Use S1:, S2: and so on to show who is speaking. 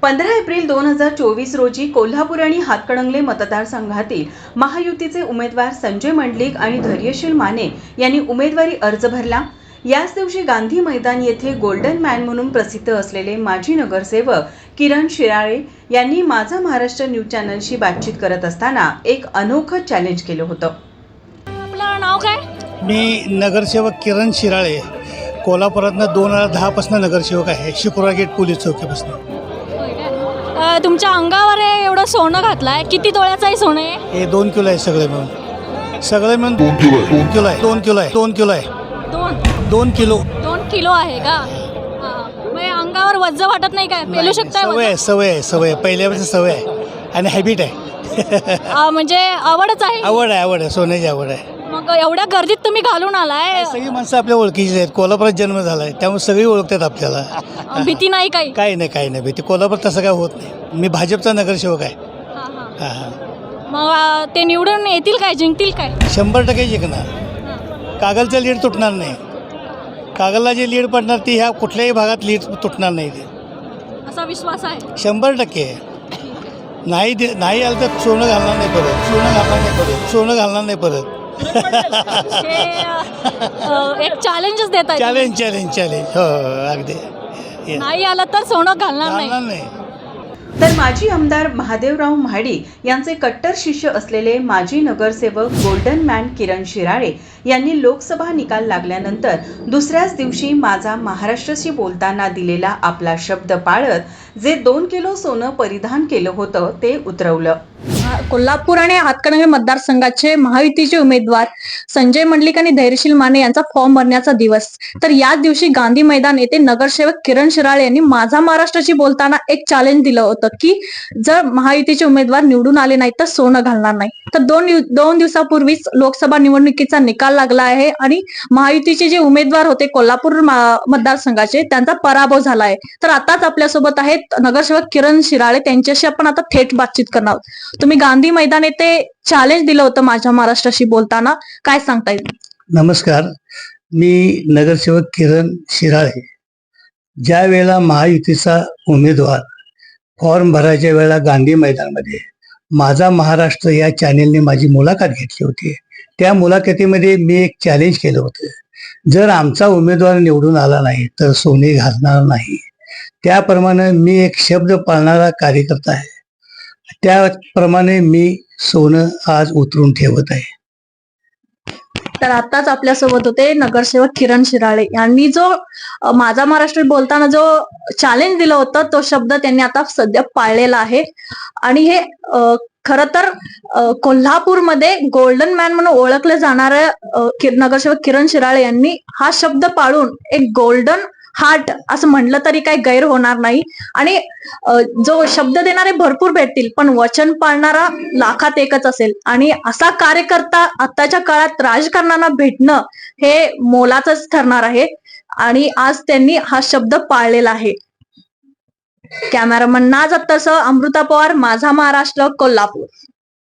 S1: 15 April 2024 रोजी कोल्हापूर आणि हातकणंगले मतदारसंघातील महायुतीचे उमेदवार संजय मंडलिक आणि धैर्यशील माने यांनी उमेदवारी अर्ज भरला। याच दिवशी गांधी मैदान येथे गोल्डन मॅन म्हणून प्रसिद्ध असलेले माजी नगरसेवक किरण शिराळे यांनी माझा महाराष्ट्र न्यूज चॅनलशी बातचीत करत असताना एक अनोखं चॅलेंज केलं होतं।
S2: आपलं नाव काय?
S3: मी नगरसेवक किरण शिराळे, कोल्हापुरातनं 2010 पासून नगरसेवक आहे, शुक्रवार गेट पोलीस चौकीपासून।
S2: तुमच्या अंगावर एवढं सोनं घातलंय, किती तोळ्याचं आहे सोनं?
S3: हे 2 किलो आहे, सगळे मिळून 2 किलो आहे, 2 किलो आहे, 2 किलो आहे, 2 किलो
S2: 2 किलो आहे का? मग अंगावर वज्ज वाटत नाही काय? पेलू शकताय?
S3: सवय पहिल्यापासून सवय आहे आणि हॅबिट आहे।
S2: म्हणजे आवडच आहे?
S3: आवड आहे, सोन्याची आवड आहे।
S2: मग एवढ्या गर्दीत तुम्ही घालून आलाय?
S3: सगळी माणसं आपल्या ओळखीची आहेत, कोल्हापुरात जन्म झालाय त्यामुळे सगळी ओळखतात आपल्याला।
S2: भीती नाही काही?
S3: काही नाही भीती, कोल्हापूर तसं काय होत नाही। मी भाजपचा नगरसेवक आहे।
S2: मग ते निवडून येतील काय, जिंकतील काय?
S3: 100% जिंकणार। कागलचं लीड तुटणार नाही, कागलला जे लीड पडणार ती ह्या कुठल्याही भागात लीड तुटणार नाही,
S2: असा विश्वास आहे?
S3: 100%। नाही आलं तर सोनं घालणार नाही परत।
S2: एक चॅलेंजच देत आहे?
S3: चॅलेंज हो, अगदी।
S2: नाही आलं तर सोनं घालणार नाही।
S1: तर माजी आमदार महादेवराव महाडिक यांचे कट्टर शिष्य असलेले माजी नगरसेवक गोल्डन मॅन किरण शिराळे यांनी लोकसभा निकाल लागल्यानंतर दुसऱ्याच दिवशी माझा महाराष्ट्राशी बोलताना दिलेला आपला शब्द पाळत जे 2 किलो सोनं परिधान केलं होतं ते उतरवलं।
S4: कोल्हापूर आणि हातकणंगले मतदारसंघाचे महायुतीचे उमेदवार संजय मंडलिक आणि धैर्यशील माने यांचा फॉर्म भरण्याचा दिवस। तर याच दिवशी गांधी मैदान येथे नगरसेवक किरण शिराळे यांनी माझा महाराष्ट्राशी बोलताना एक चॅलेंज दिलं होतं की जर महायुतीचे उमेदवार निवडून आले नाही तर सोनं घालणार नाही। तर दोन दिवसापूर्वीच लोकसभा निवडणुकीचा निकाल लागला आहे आणि महायुतीचे जे उमेदवार होते कोल्हापूर मतदारसंघाचे त्यांचा पराभव झाला आहे। तर आताच आपल्यासोबत आहेत नगरसेवक किरण शिराळे, त्यांच्याशी आपण आता थेट बातचीत करणार आहोत। तुम्ही गांधी मैदान येथे चॅलेंज दिलं होतं माझ्या महाराष्ट्राशी बोलताना, काय सांगता येईल?
S3: नमस्कार, मी नगरसेवक किरण शिराळे। ज्या वेळेला महायुतीचा उमेदवार फॉर्म भरायच्या वेळेला गांधी मैदानमध्ये माझा महाराष्ट्र या चॅनेलने माझी मुलाखत घेतली होती। त्या मुलाखतीमध्ये मी एक चॅलेंज केलं होतं, जर आमचा उमेदवार निवडून आला नाही तर सोने घालणार नाही। त्याप्रमाणे मी एक शब्द पाळणारा कार्यकर्ता आहे, त्याप्रमाणे मी सोनं आज उतरून ठेवत आहे।
S4: तर आताच आपल्यासोबत होते नगरसेवक किरण शिराळे यांनी जो माझा महाराष्ट्र बोलताना जो चॅलेंज दिलं होतं तो शब्द त्यांनी आता सध्या पाळलेला आहे। आणि हे खरं तर कोल्हापूरमध्ये गोल्डन मॅन म्हणून ओळखलं जाणारं नगरसेवक किरण शिराळे यांनी हा शब्द पाळून एक गोल्डन हार्ट असं म्हटलं तरी काही गैर होणार नाही। आणि जो शब्द देणारे भरपूर भेटतील पण वचन पाळणारा लाखात एकच असेल। आणि असा कार्यकर्ता आताच्या काळात राजकारणाला भेटणं हे मोलाचंच ठरणार आहे आणि आज त्यांनी हा शब्द पाळलेला आहे। कॅमेरामन नाज अत्तरसह अमृता पवार, माझा महाराष्ट्र, कोल्हापूर।